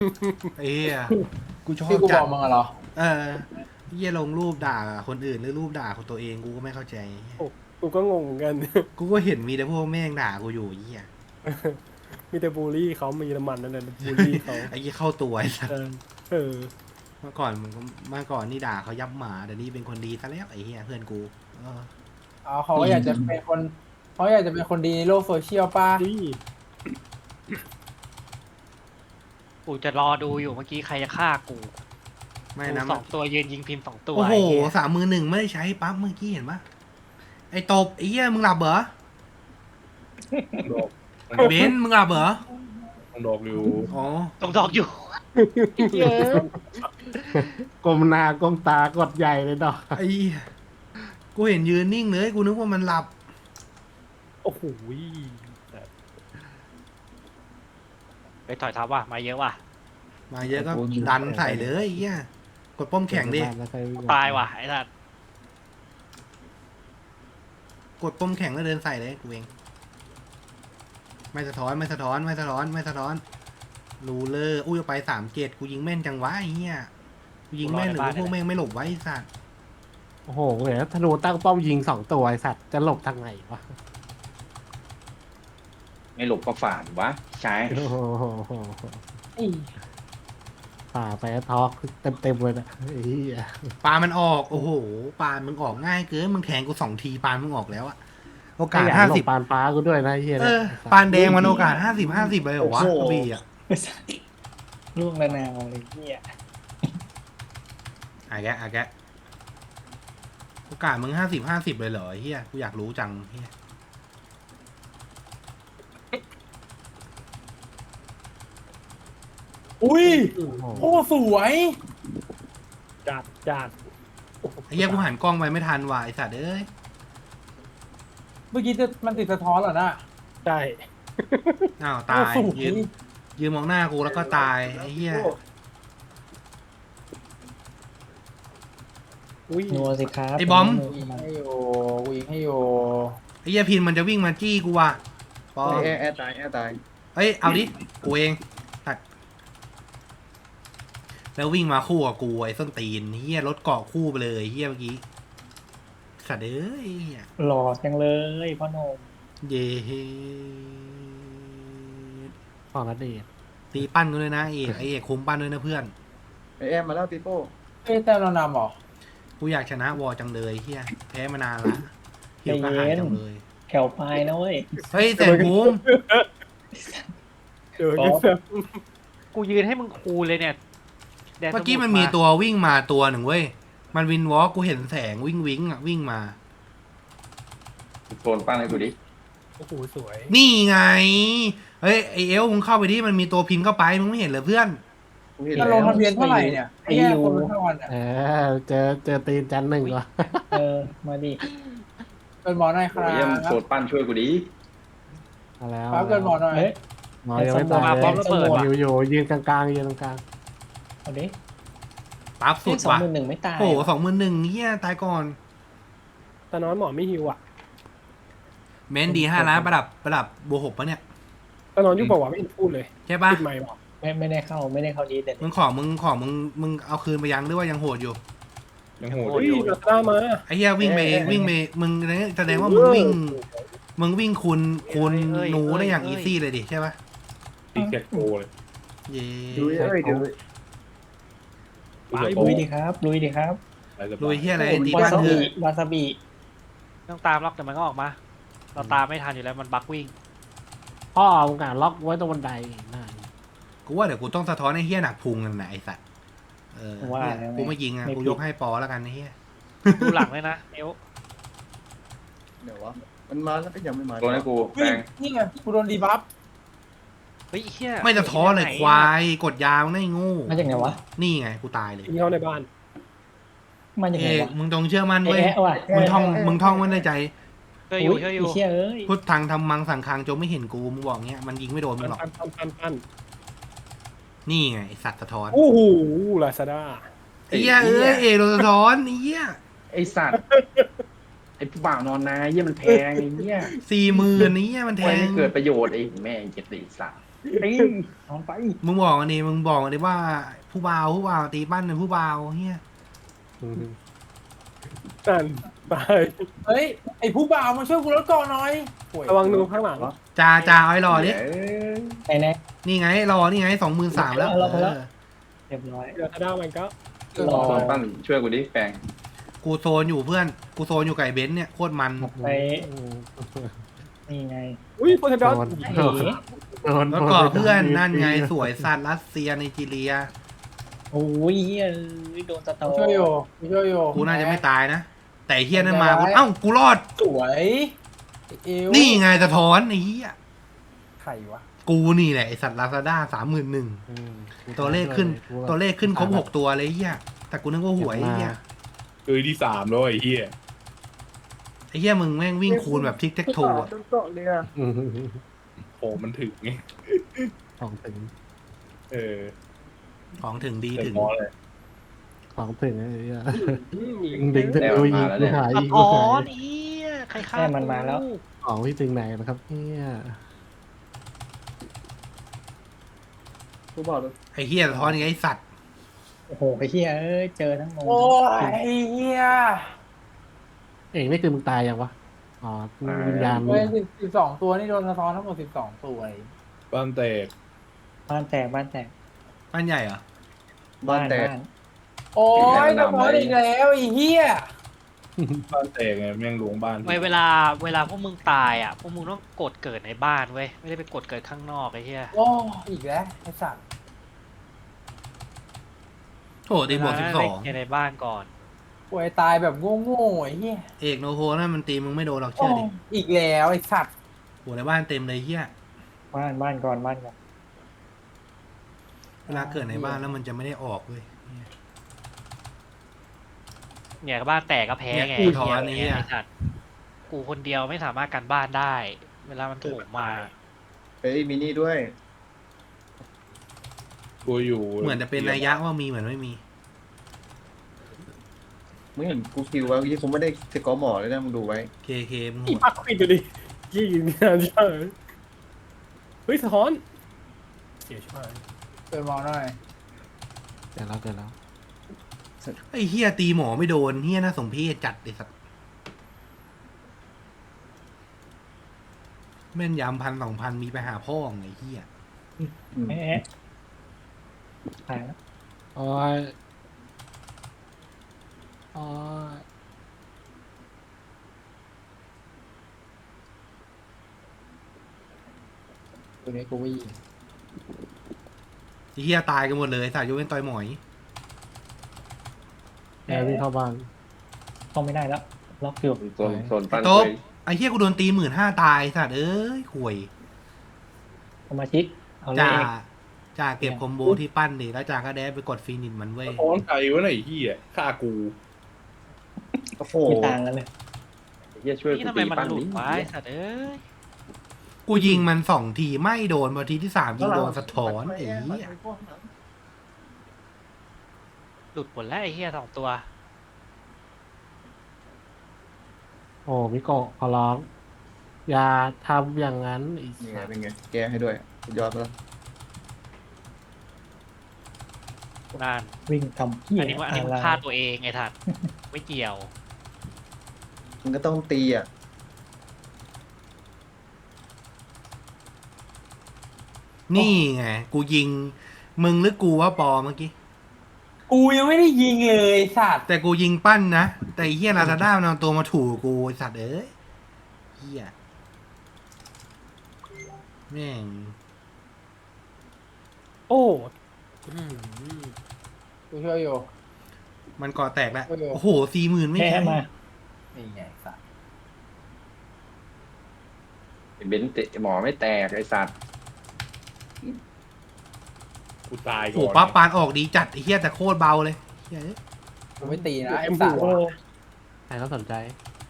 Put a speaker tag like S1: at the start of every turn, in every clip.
S1: ไอ้เหี้ยกูชอ
S2: ที่
S1: บ
S2: กูบ
S1: จั
S2: อ
S1: ด
S2: กมึงอะเหรอ
S1: เหี้ยลงรูปด่าคนอื่นหรือรูปด่าคนตัวเองกูก็ไม่เข้าใจ
S3: โอ้กูก็งงเหมือนกัน
S1: กูก็เห็นมีแต่พวกแม่งด่ากูอยู่ไอ้เหี้ย
S3: มีแต่บูลลี่เขามีเยอรมันนั่นแหละบูลลี่เขา
S1: ไอ้เหี้ยเข้าตัวไอ้สัส
S3: เออ
S1: เมื่อก่อนนี่ด่าเขายับหมาเดี๋ยวนี้เป็นคนดีซะแล้วไอ้เหี้ยเพื่อนกูเออ
S2: อ๋อเขาก็อยากจะเป็นคนเขาอยากจะเป็นคนดีในโลกโซเชียลป่ะ
S3: นี่
S4: กูจะรอดูอยู่เมื่อกี้ใครจะฆ่ากู
S1: ไม่
S4: กู
S1: นะ
S4: สองตัวยืนยิงพิมพ์2 ตัว
S1: โอ้โห
S4: ไเย
S1: 3-1ไม่ได้ใช้ปั๊บเมื่อกี้เห็นปะไอ้ตบไอ้เหี้ยมึงหลับเหรอ
S5: ดอก
S1: เบนซ์มึงหลับเหรอ
S5: ดอกอยู่
S1: อ๋อ
S4: ตรงดอกอยู่เยอะ
S6: ก้มหน้าก้มตากดใหญ่เลยดอก
S1: ไอ้เหี้ยกูเห็นยืนนิ่งเลยกูนึกว่ามันหลับ
S3: โอ้โห
S4: ไปถอยทับว่ะมาเยอะว่ะ
S1: มาเยอะก็ดันใส่เลยไอ้เหี้ยกดป้อมแข็งดิ
S4: ตายว่ะไอ้สัส
S1: กดป้อมแข็งแล้วเดินใส่เลยกูเองไม่สะท้อนไม่สะท้อนไม่สะท้อนไม่สะท้อนรูเลอร์อุ้ยไป3-7กูยิงแม่นจังวะไอ้เหี้ยกูยิงแม่นหรือว่าพวกแม่งไม่หลบไว้ไอ้สัตว์
S6: โอ้โหเห็นธนูตั้งป้อมยิง2 ตัวไอสัตว์จะหลบทางไหนวะ
S7: ไม่หลบก็ฝ่านวะใช่
S6: โอ้โหฝ่าไปทอกเต็มเลยนะไอ้เหี้ย
S1: ปลามันออกโอ้โหปลามึงออกง่ายเกินมึงแทงกู2 ทีปลามึงออกแล้วอะโอกาส
S6: ขยันหลบปานฟ้ากูด้วยนะไอ้เหี้ย
S1: เอ
S6: เนี่ย
S1: อปานแดงมันโอกาส50-50เลยเหรอวะกระบี่อะ
S7: ล่วงระนาวเลยเนี่ย
S1: อ่ะแกโอกาสมึง50-50เลยเหรอไอ้เฮียกูอยากรู้จังเฮีย
S2: อุ้ย
S6: โอ้โห
S2: โอ้สวย
S3: จัด
S1: ไอ้เฮียกูหันกล้องไปไม่ทันว่ะไอ้สัตว์เอ้ย
S2: เมื่อกี้มันติดสะท้อนเหรอนะ
S3: ใช่
S1: อ้าวตาย
S2: โอ้สวย
S1: ยืนมองหน้ากูแล้วก็ตายไอ้เฮีย
S3: อุ้ย
S7: นัวสิครับ
S1: ไอ้บอม
S2: ยิงให้อยู่กูยิงให้อยู่
S1: ไอ้เฮียพินมันจะวิ่งมาจี้กูว่ะปอ
S5: แอร์ตายแอร์ตาย
S1: เอ้ยเอาดิกูเองตัดแล้ววิ่งมาคู่กับกูไอ้ส้นตีนเฮียรถเกาะคู่ไปเลยเฮียเมื่อกี้สัตว์เอ้ยเหี้ย
S7: หล่อจังเลยพ่อหนม
S1: เย่
S6: ของระเดช
S1: ตีปั้นกันเลยนะไอเอกคุมปั้นด้วยนะเพื่อน
S5: แอร์มาแล้วปีโป้
S2: เอ้ยแต่เรานำเหรอ
S1: กูอยากชนะวอจังเลยเฮียแพ้มานานละหิวกระหายจังเลย
S7: แถวปลายนะเว้ย
S1: เฮ้ยแสนภูมิ
S3: เจอกันแบบ
S4: กูยืนให้มึงคูเลยเนี่ยแดน
S1: เมื่อกี้
S4: ส
S1: มันมีตัววิ่งมาตัวหนึ่งเว้ยมันวินวอล์กกูเห็นแสงวิ่งอ่ะวิ่งมา
S7: โกนปั้นให้กูดิ
S3: โอ้โหสวย
S1: นี่ไงเฮ้ยไอเอลมึงเข้าไปดิมันมีตัวพินเข้าไปมึงไม่เห็นเหรอเพื่อน
S5: กูเห็น
S2: จะล
S5: แล้
S2: ง
S5: ว
S2: ทะเบียนเท่าไหร่เนี่ยไอ้แย่คนเท่าวันเนี่ย
S6: เจอตีนจันหนึ่งวะ
S7: มาดิ
S2: เป็นหมอหน่อยครับ
S7: เยี่ยมโกนปั้นช่วยกูดิ
S6: มาแล้ว
S2: ครับเกินหมอหน่อย
S6: หมอยังไม่ตาย
S4: มาพร้อมระเบิดว่ะ
S6: อยู่ยืนกลางๆยืนตรงกลาง
S7: เอาดิ
S1: ปั๊บสุดว่ะ
S7: 21,000ไม่ตาย
S1: โอ้โห21,000เฮียตายก่อน
S3: ตอนนั้นหมอไม่ฮิวอ่ะ
S1: เมนดี5 ล้านประดับบวก6ปะเนี่ย
S3: ตอนนั้นยุบบอกว่าไม่เห็นพูดเลย
S1: ใช่ปะ
S3: ปิดไมค์บอก
S7: ไม่ได้เข้าดีแต่
S1: มึงเอาคืนไปยังหรือว่ายังโหดอยู่
S5: ยังโหด
S3: อุ้ยลาซาด้ามา
S1: ไอ้เหี้ยวิ่งไปมึงแสดงว่ามึงวิ่งคูณหนูได้อย่างอีซี่เลยดิใช่ปะ
S5: ตีแกโกเลย
S1: เย้
S5: ดูเอ้ยเดี๋ยว
S7: ลุยดิครับลุยดิครับ
S1: ลุยเหี้ยอะไรตี
S7: วา
S1: บ้าน
S7: ซา
S1: เธ
S7: บิ
S1: อ
S7: วาซาบิ
S4: ต้องตามล็อกแต่มันก็ออกมา เราตามไม่ทันอยู่แล้วมันบักวิ่ง
S6: พ่อมึงอ่ะล็อกไว้ตรงบันไดนั่น
S1: กูว่าเดี๋ยวกูต้องสะท้อนไอ้เหี้ยหนักพุงกันนะไอ้สัตว์เนี่ยกูไม่ยิงอ่ะกูยกให้ปอแล้วกันไอ้เหี้ย
S4: ดูหลังเลยนะเอว
S5: เดี๋ยววะมันมาแล้วก็ยังไม่มา
S7: โดนให้กู
S2: เฮ้
S7: แป
S2: ย
S7: ง
S2: นี่ไงกูโดนดีบัฟ
S4: เฮ้ยเฮีย
S1: ไม่สะท้อนเลยควายกดยาวได้งู
S7: มาจากไหนวะ
S1: นี่ไงกูตายเลย
S3: ยิงเข้าในบ้าน
S7: มาจาก
S1: เอ
S7: ไหน
S1: ก
S7: วะ
S1: มึงต้องเชื่อมั่นเว้ย
S7: แอะว่ะ
S1: มึงท่องไว้ในใจ
S4: ช่วยอยู่ช่วยอยู่
S7: ไเชี่ยเอ้ย
S1: พุทธังทำมังสังคังจงไม่เห็นกูมึงบอกเงี้ยมันยิงไม่โดนมึงหรอก
S3: ปั้น
S1: นี่ไงไอ้สัตว์สะท้อน
S3: โอ้โหลาซาด้า
S1: ไอ้เหี้ยเอกโดนสะท้อนไอ้เหี้ย
S7: ไอสัตว์ไอผู้บ่าวนอนนาเยี่ยมันแพงไอ้เหี้ย
S1: 40,000นี้มันแท
S7: ไว้
S1: ง
S7: ไม่เกิดประโยชน์ไอ้แม่งเจ็ดไอสัตว์ตีนอนไป
S1: มึงบอกอันนี้มึงบอกอันนี้ว่าผู้บ่าวตีปั้นเป็นผู้บ่าวเฮีย
S3: นั่นตาย
S2: เฮ้ยไอผู้บ่าวมาช่วยกูรถก่อนหน่อยโอ้ย
S3: ระวังนูข้างหลัง
S1: จ่าเอาไอ้รอดิ
S7: ไอ้แน่
S1: นี่ไงรอนี่ไง23,000แล้ว
S7: เอาแล้ว
S1: เออ
S7: เรียบร้อย
S3: เดี๋ยวถ้าได้มันก็
S7: รอ
S5: โซนปั้นช่วยกูดิแปลง
S1: กูโซนอยู่เพื่อนกูโซนอยู่ไก่เบนซ์เนี่ยโคตรมัน
S7: ไปนี่ไง
S3: อุ้ยโพเทดอน
S7: ไอ้
S1: แล้วก็เพื่อนนั่นไงสวยสัตว์รัสเซียไนจีเรีย
S7: โอ้ยเฮ้ยโดนสตอ
S2: ช่วยอยู่ช่วยอยู่
S1: กูน่าจะไม่ตายนะ แต่ไอ้เฮียนั่นมากูกูรอด
S2: สวยเอว
S1: นี่ไงสะท้อนไอ้เฮีย
S2: ไข่วะ
S1: กูนี่แหละไอสัตว์ลาซาด้า31,000ตัวเลขขึ้นครบ6ตัวเลยไอ้เฮียแต่กูนึกว่าหวยไอ้เฮีย
S8: คือที่สามแล้วไอ้เหี้ย
S1: ไอ้เฮียมึงแม่งวิ่งคูณแบบทิกเท็กโทอะ
S8: โอ้มันถึงไง
S6: ของถึง
S8: เออ
S1: ของถึงดี
S8: เต็
S1: ถึ
S8: ม
S1: ง
S8: พอเลย
S6: ของถึงไอ้เหี้ยดึงถึงดูยิงกูหาย
S4: สะ
S6: ยิงกู
S4: ท้อ
S6: หาน ย
S4: เฮียใครฆ่า
S7: แค่มันมาแล้ว
S6: ของที่ถึงไหนนะครับเนี่ย
S5: ผู้บ่าวเลย
S1: ไอ้เฮียสะท้อนไงไอ้สัตว์
S7: โอ้โหไอ้เหี้ยเอ้ยเจอทั้งงง
S2: โอ้ยไอ้เฮีย
S6: เองนี่คือมึงตายยังวะอ๋อวิญญาณมึ
S2: เฮ้
S6: ง
S2: ย12 ตัวนี่โดนสะท้อนทั้งหมด12 ตัว
S8: บ้านแตก
S7: บ้านแตกบ้านแตก
S1: บ้านใหญ่เหรอ
S5: บ้านแตก
S2: โอ้ยสะท้อนอีกแล้วไอ้เฮีย
S8: บ้านแตกไงแม่งหลวงบ้าน
S4: เวลาพวกมึงตายอ่ะพวกมึงต้องกดเกิดในบ้านเว้ยไม่ได้ไปกดเกิดข้างนอกไอ้เหี้ย
S2: โอ้อีกแล้วไอ้สัตว์
S1: โถตีบวก
S4: เล่นในบ้านก่อน
S2: ป่วยตายแบบโง่ๆไอ้เฮีย
S1: 12เอกโนโฮนั่นมันตีมึงไม่โดนหรอก
S2: โอ้
S1: เชื่อดิ
S2: อีกแล้วไอ้สัตว์
S1: โหในบ้านเต็มเลยเฮีย
S7: บ้านก่อนบ้านก่อน
S1: เวลาเกิดในบ้านแล้วมันจะไม่ได้ออกเว้ย
S4: เนี่ยบ้านแตกก็แพ้ไง
S1: เนี่ยกูท้อนี่
S4: ไอ้สัตว์กูคนเดียวไม่สามารถกันบ้านได้ เวลามันโถูกมา
S5: เฮ้ยมินี่ด้วย
S8: กูอยู่
S1: เหมือนจะเป็นนัยยะว่ามีเหมือนไม่มี
S5: มึงเห็นกูคิวไว้ยี่คงไม่ได้สกอร์หมอเลยนะมึงดูไว้
S1: เคมึงโห
S3: อี
S1: ด
S3: ปักควิดดูดิยี่ยิงงานเฉยเฮ้ยสะท้อนเสียช่วย
S2: เปิดมองหน่อย
S6: เดี๋ยวแล้ว
S1: ไอ้เฮียตีหมอไม่โดนเฮียน่าสมเพชจัดไอ้สัตว์แม่นยำ1,000-2,000มีไปหาพ่อไงเฮีย
S7: แอะตายแล้ว
S6: โอ้ยโอ้ย
S2: ตัวนี้กูวิ่ง
S1: ไอ้เฮียตายกันหมดเลยสายยกเว้นต่อยหมอย
S6: แอร์วิ่งเข้าบ้าน
S7: เข้าไม่ได้แล้วล็อกอยู่
S5: โซนปั้น
S1: โต๊ะ
S5: เลย
S1: ไอ้เฮียกูโดนตี15,000ตายสัตว์เอ้ยห่วย
S7: สมาชิกเอาเล
S1: จ่าย จ่าเก็บคอมโบที่ปั้นดิแล้วจ่าก็แดดไปกดฟีนิชมันเว้ย
S8: ท้อนใจวะไหนไอ้เหี้ยฆ่ากู
S5: โอ้โห
S7: ไม่ต่างกันเลย
S5: เฮียช่วย
S4: นี่
S5: กู
S4: ทำไม
S5: ตี
S4: มัน
S5: ปั้น
S4: หลุ
S5: ดิ
S4: ดวะไอ้สัตว์เอ้ย
S1: กูยิงมัน2 ทีไม่โดนพอทีที่3ยิงโดนสะท้อนไอ้เหี้ย
S4: หลุดหมดแล้วไอ้เหี้ย2 ตัว
S6: โอ้มิโกะขอร้องอย่าทำอย่างนั้นไอ้
S5: นี่ไง
S6: สัส
S5: เป็นไงแกให้ด้วยสุดยอดไปแล้ว
S4: นาน
S7: วิ่งทำเหี้ย
S4: อันนี้มึง
S7: อะไร
S4: ฆ่าตัวเองไอ้ทัดไม่เกี่ยว
S5: มันก็ต้องตีอ่ะ
S1: นี่ไงกูยิงมึงหรือกูว่าปอเมื่อกี้
S2: กูยังไม่ได้ยิงเลยไอ้สัตว์
S1: แต่กูยิงปั้นนะแต่ไอ้เฮียลาซาด้ามันเอาตัวมาถูกูไอ้สัตว์เอ้ยเฮียแม่ง
S3: โอ้
S2: กูช่วยอยู่
S1: มันก่อแตกแล้ว
S2: โอ้โห
S1: โอ้โห40,000ไม่
S7: แพ้
S1: ใช่
S7: มา
S2: นี่ไงสัตว์
S5: เบนเตะหมอไม่แตกไอ้สัตว์
S8: กูตาย
S1: โอ้
S8: ก่
S1: โห
S8: อน
S1: ปั๊บปานออกดีจัดไอ้เฮียแต่โคตรเบาเลยเหี้ย
S2: กูไม่ตีนะไอ้สัตว์
S6: ใครเขาสนใจ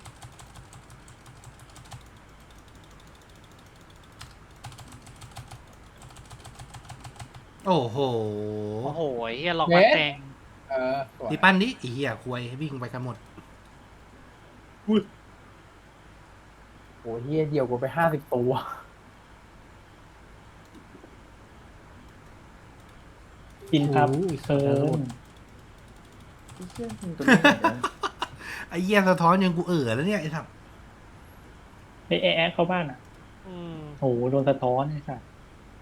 S1: โอ้โห
S4: โอ้โหไอ้เหี้ยล็อกมาแตง
S2: สวย
S1: ตีปั้นดิไอ้เฮียควยวิ่งไปกันหมด
S2: โอ้เฮียเดียวกูไป50 ตัว
S7: พินครับ
S6: โอ้ย
S7: เกิน
S5: ไอ้เหี้ยมึงตัวนี้เหมือนกัน
S1: ไอ้เหี้ยสะท้อนยังกูแล้วเนี่ยไอ้สัตว์
S7: ไอแอะเข้าบ้านอ่ะ
S4: อืม
S7: โหโดนสะท้อนไอ้สัส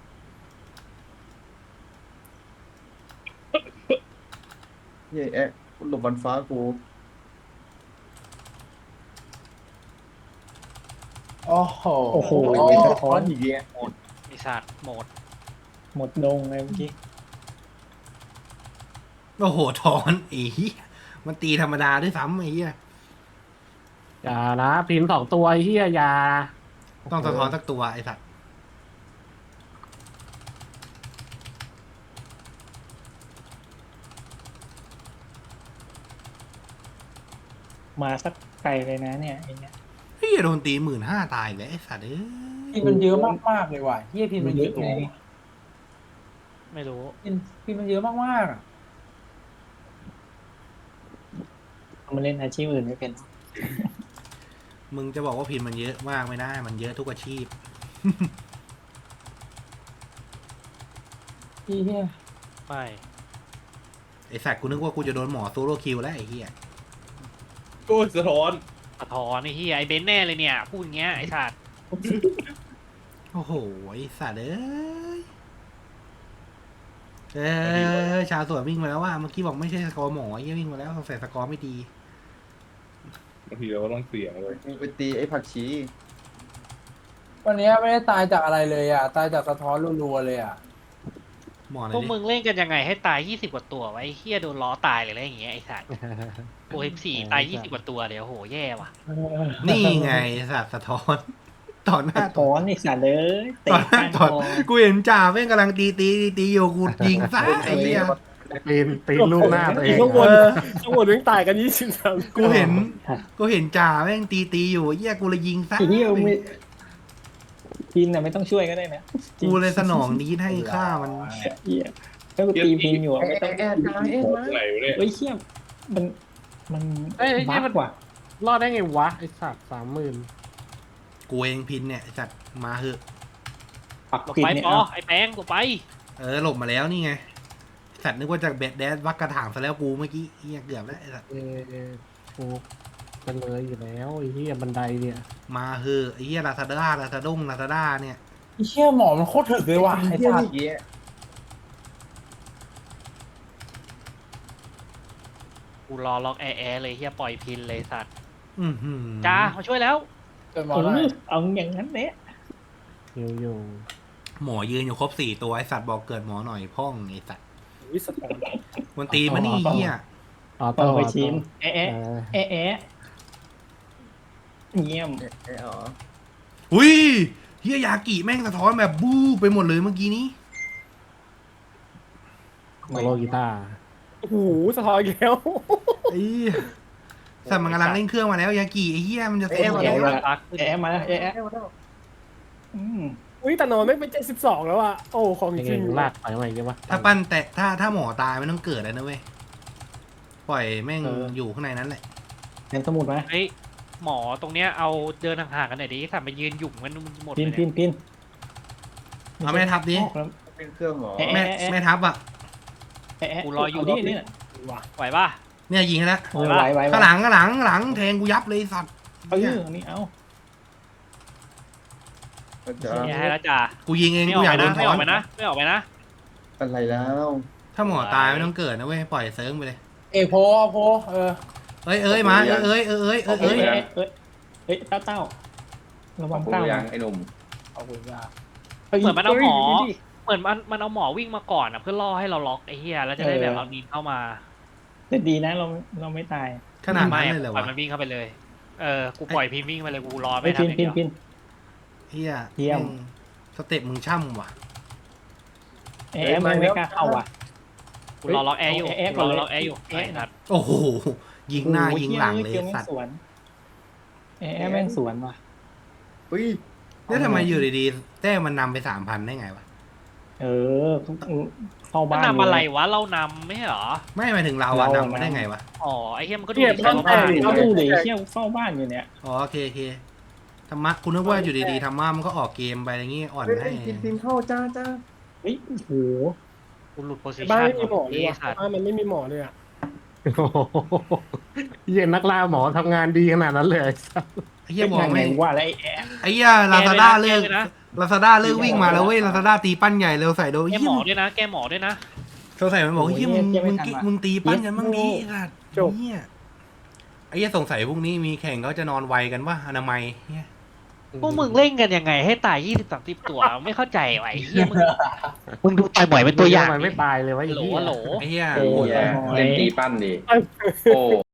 S5: เหี้ยแอะหลบบอลฟ้ากู
S2: โอ้โห
S7: โอ้โห
S5: ไม่
S7: สะ
S5: สะ
S7: ท้
S5: ท้
S7: อ
S5: อน นอีกแล้ว
S4: ไอสัตว์หมด
S7: หมดดงเลยเมื่อกี้
S1: โอ้โหถอนไอ้เหี้ยมันตีธรรมดาด้วยซ้ำไอ้เหี้ย
S6: อย่านะพิน2 ตัวไอ้เฮียอย่า
S1: ต้องสะท้อนสักตัวไอ้สัตว์
S7: มาสักไกลเลยนะเนี่ยไอ้เนี่ย
S1: เฮียโดนตี15,000ตายอีกแล้วไอ้สัตว์เอ้ย
S2: พินมันเยอะมากๆเลยว่ะเฮียพินมันเยอะไง
S4: ไม่รู้
S2: พินมันเยอะมากๆอะ
S7: เอามาเล่นอาชีพอื่นไม่เป็น
S1: มึงจะบอกว่าพินมันเยอะมากไม่ได้ มันเยอะทุกอาชีพ
S2: เฮีย
S4: ไม่
S1: ไอ้สัตว์กูนึกว่ากูจะโดนหมอโซโลคิวแล้วไอ้เหี้ย
S8: โอ้ยสะท้อน
S4: สะท้อนไอ้เฮียไอ้เบนซ์แน่เลยเนี่ยพูดอย่างเงี้ยไอ้สัตว์
S1: โอ้โหไอ้สัตว์เอ้ยชาวสวนวิ่งมาแล้วว่าเมื่อกี้บอกไม่ใช่สกอร์หมอเหี้ยวิ่งมาแล้วสงสัยสกอร์ไม่ดี
S8: บางทีเราก็ต้องเสี่ยงเลย
S5: มึงไปตีไอ้ผักชี
S2: วันนี้ไม่ได้ตายจากอะไรเลยอ่ะ ตายจากสะท้อนรัวๆเลยอ่ะ
S1: หมอไหน
S4: พวก
S1: ดิ
S4: มึงเล่นกันยังไงให้ตาย20 กว่าตัววะไอ้เฮียโดนล้อตายเลยอะไรอย่างเงี้ยไอ้สัตว์โอ้ย4ตาย20 กว่าตัวเดี๋ยวโหแย่ว่ะ
S1: นี่ไงไอ้สัตว์สะท้อนต่อหน้า
S7: สะท้อนไอ้สัสเลยเตะ
S1: ต่อหน้า
S7: ก้าน
S1: ต่อ
S7: คอ
S1: กูเห็นจ่าแม่งกำลังตีอยู่กูยิงซะไอ้เหี้ย
S6: ปีนลูกหน้าตัวเอง
S3: ข้างบน
S1: เออ
S3: ข้างบนแม่งตายกัน23
S1: กูเห็นจ่าแม่งตีอยู่เหี้ยกูเลยยิงซะ
S7: ไอ้เหี้ยไม่พินน่ะไม่ต้องช่วยก็ได้นะจริง
S1: กูเลยสนองนี้ให้ฆ่ามัน
S7: เหี้ยถ้ากูตีพินอยู่อะไม่ต้อง
S5: แอะตายแอะมา
S8: ไหนวะเนี่ย
S7: เฮ้ยเชี่ยมัน
S6: เอ้ย
S7: บั
S6: นี่
S7: ก
S6: มัน
S7: กว่า
S6: รอดได้ไงวะไอ้สัตว์30,000
S1: กูเองพินเนี่ยไอ้สัตว์มาเหอะ
S7: ปัก
S4: หลบ
S7: ผิด
S4: ไป
S7: เนี่ย
S4: ปอ
S7: เอา
S4: ไอ้แป้งหลบไป
S1: หลบมาแล้วนี่ไงสัตว์นึกว่าจะเบ็ดแดดวักกระถางซะแล้วกูเมื่อกี้เหี้ยเกือบแล้วไอ้สัตว์
S6: กูกันเลยอยู่แล้วไอ้เฮียบันไดเนี่ย
S1: มาเหอะไอ้เหี้ยลาซาด้าเนี่ย
S2: ไอ้เชี่ยหมอมันโคตรถึกเลยว่ะไอ้
S5: เหี้ย
S2: สัส
S5: อีกแล้ว
S4: กูรอล็อกแอร์เลยเฮียปล่อยพินเลยสัตว์
S1: อื้อหือ
S4: จ้ามาช่วยแล้ว
S2: เกิดหมอได้
S7: เอาอย่างนั้นเนี่ย
S6: อยู่
S1: หมอยืนอยู่ครบ4ตัวไอ้สัตว์บอกเกิดหมอหน่อยพ่องไอ้สัตว์
S3: วิสตอน
S1: มันตีมานี่เหี้ย
S6: ออ
S7: ต่
S6: โต้
S7: อไปชิน
S6: เอ
S7: แอะ
S6: อ
S7: แอะแอะเยี่ยม
S5: แอะอ๋อ
S1: อุ้ยเฮียยากิแม่งสะท้อนแบบบู้ไปหมดเลยเมื่อกี้นี้
S6: โซโลกีตาร์
S3: โอ้โหสะท้อนอีกแล้ว
S1: ไอ้สัตว์มันกำลังเล่นเครื่องมาแล้วยากิไอ้เฮียมันจะเซ็ง
S7: แอะ
S1: แล้ว
S7: มา
S4: ปักขึ้น
S7: แอะมาแล้วแอะอืม
S3: อุ้ยแต่นอนไม่เป็น72แล้วอ่ะโอ้ของจ
S6: เอ
S3: ริง
S6: งลากไปใหม่กันวะ
S1: ถ้าปั้นแต่ถ้าหมอตายไม่ต้องเกิดแล้วนะเว้ยปล่อยแม่งอยู่ข้างในนั้นแหละ
S7: เห็นสมุดไหม
S4: เฮ้ยหมอตรงเนี้ยเอาเดินห่างๆกันหน่อยดิสัตว์ไปยืนหยุ่มกันหมด
S7: พิ
S4: เล
S7: น
S4: ย
S7: พิ
S4: เนี่ย
S7: นพิน
S1: เอาแม่ทับดิ
S7: ออกแล้ว
S5: เป็นเครื่องหมอ
S7: แอะ
S1: แม่ทับอ่ะ
S7: แอะ
S4: กูรออยู่
S7: เาดิเนี่ย
S4: ไหวป่ะ
S1: เนี่ยยิงให้แล้ว
S7: เออไหวไหว
S1: ข้างหลังแทงกูยับเลยสัตว์
S7: เอออันนี้เอา
S5: อาจา
S4: เนี่ย
S5: รย์
S4: ให้แล้วจ้า
S1: กูยิงเอง
S4: ไม่อ
S1: กู
S4: อก
S1: อยาก
S4: ไป
S1: โด
S4: นะ
S1: น
S4: ไม่
S1: ถ
S4: อ
S1: อ
S4: อน กไปนะไม่ออกไปนะ
S5: อะไรแล้ว
S1: ถ้าหมอตายไม่ต้องเกิดนะเว้ยปล่อยเซิร์งไปเลย
S2: เอกโพเออ
S1: เอ้ยมาเอ้ย
S7: เอ้ยเฮ้ยเต้าระวัง
S5: ผม
S7: เต้า
S5: ยังไอ้หนุ่ม
S2: เอาคุยกัน
S4: เหมือนมันเอาหมอ เหมือนมันเอาหมอวิ่งมาก่อนอ่ะเพื่อล่อให้เราล็อกไอ้เหี้ยแล้วจะได้แบบเอาดินเข้ามา
S7: แต่ดีนะเราไม่ตาย
S1: ขนาด
S4: ไม่
S1: นั้นเลยเหรอ
S4: ปล่อ
S1: วะ
S4: ยมันวิ่งเข้าไปเลยกูปล่อยพิมพ์วิ่งไปเลยกูรอ
S7: ไม่
S4: ไม่
S7: พิ
S4: ทำ
S7: น
S4: อย่าง
S7: พิน
S4: เดียว
S1: เฮีย
S7: เยี่ยม
S1: แงสเต็ปมึงช่ำว่ะ
S7: แอะมันไม่กล้าเข้าอ่ะ
S4: กูรอล็อกแอร์อยู่
S7: แอะ
S4: กู
S7: ก่อน
S4: รอ
S7: เลย
S4: ล็อกแอร์อยู่
S7: แอะ
S4: ไอ้สัตว์
S1: โอ้โหยิงหน้ายิงหลังเลย
S7: เกี่ยว
S1: สัตว์
S7: สวนแอะแม่งสวนว่ะ
S5: อุ้ย
S1: แล้วทำไมอยู่ดีๆแต้มมันนำไป3,000ได้ไงวะ
S7: เออเข้า
S4: มัน
S7: บ้าน
S4: นำอะไรวะเรานำไม่ใช่เหรอ
S1: ไม่หมายถึงเราอะนำมาได้ไงวะ
S4: อ๋อไอ้เหี้ยมันก็ดู
S3: เนี่ย
S4: ดี
S3: บ้าน
S4: ว่า
S3: แต
S4: บ้าก น
S7: เอาดูดิเที่ยวเฝ้าบ้านอยู่เนี่ย
S1: อ๋อโอเคธรรมะคุณนึกว่าอยู่ดีๆธรรมะมันก็ออกเกมไปอะไรเงี้ยอ่อน
S5: เฮ้ย
S1: ให้
S5: พิมพ์เข้าจ้า
S7: เฮ้ยโอ้โห
S4: กูหลุดโพสิ
S3: บ้าน
S4: ชัน
S3: ไม่มีหมอเลย
S4: ไอ้
S3: ว่ะ
S4: สัตว์
S3: บ้านมันไม่มีหมอเลยอ่ะ
S6: โอ้โหเหี้ย็นนักล่าหมอทำงานดีขนาดนั้นเลยไอ้สัส
S1: ไอ้เหี้ยบอกแม่ง
S7: ว่าแล้วไอ้แอะ
S1: ไอ้เหี้ยลาซาด้าเลิก
S4: แก้ด้วยนะ
S1: ลาซาด้าเลิกวิ่งมาแล้วเว้ยลาซาด้าตีปั้นใหญ่เร็วใส่โดน
S4: แก
S1: เหี้
S4: ห
S1: ย
S4: มอด้วยนะแกหมอด้วยนะ
S1: เขาใส่มันบอกเหี้ยมึงตีปั้นกันบ้างดิสัตว์เหี้ยไอ้เหี้ยสงสัยพรุ่งนี้มีแข่งเขาจะนอนไวกันว่าอนามัยเหี้ย
S4: พวกมึงเล่นกันยังไงให้ตาย20-30 ตัวไม่เข้าใจว่ะไอ้เหี้ยมึงดูต่อยบ่อยเป็นตัวอย่าง
S6: มันไม่ตายเลยวะไอ้
S4: โหล
S6: เหี้ย
S4: โหล
S1: ไอ้เหี้ย
S9: โอ้ยเล่นตีปั้นดิโอ้